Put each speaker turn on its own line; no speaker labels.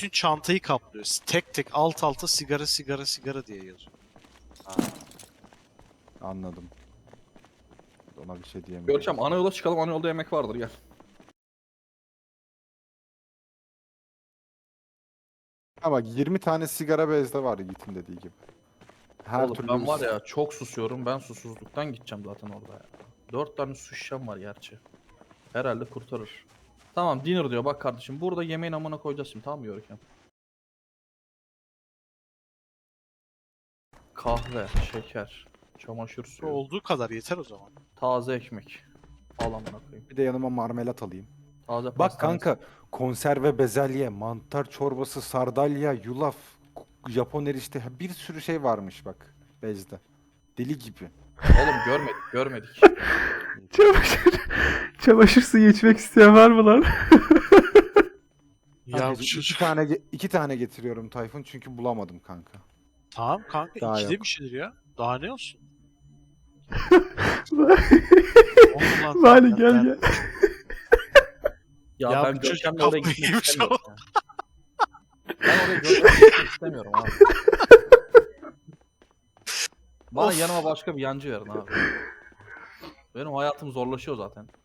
bütün çantayı kaplıyor. Tek tek alt alta sigara sigara sigara diye yazıyor.
Ha, anladım. Ona bir şey diyemiyorum.
Görkem ana yola çıkalım, ana yolda yemek vardır gel.
Ha bak 20 tane sigara bezde var Yiğit'in dediği gibi. Her
Oğlum
türlü
ben var ya çok susuyorum, ben susuzluktan gideceğim zaten orada ya. 4 tane su şişem var gerçi. Herhalde kurtarır. Tamam dinner diyor bak kardeşim, burada yemeğin amına koyacağız şimdi, tamam mı Görkem? Kahve, şeker, çamaşır suyu,
Olduğu kadar yeter o zaman.
taze ekmek. Al amına koyayım.
bir de yanıma marmelat alayım.
Taze
Bak
pastane.
kanka konserve bezelye, mantar çorbası, sardalya, yulaf, Japon erişte bir sürü şey varmış bak bezde. Deli gibi.
Oğlum görmedik.
Çamaşır, çamaşır suyu içmek isteyen var mı lan?
Ya
Kanka,
bu çocuk.
iki tane getiriyorum Tayfun çünkü bulamadım kanka.
Tamam kanka
Daha
ikide
yok.
bir şeydir ya. Daha ne olsun?
Vali gel gel.
Ya,
Ya
ben
bu çocuk
Görkem'le oraya
kafayı
gitmek
yemiş
istemiyorum ya. Ben oraya Görkem'le gitmek istemiyorum abi. Bana
Of.
yanıma başka bir yancı verin abi. Benim hayatım zorlaşıyor zaten.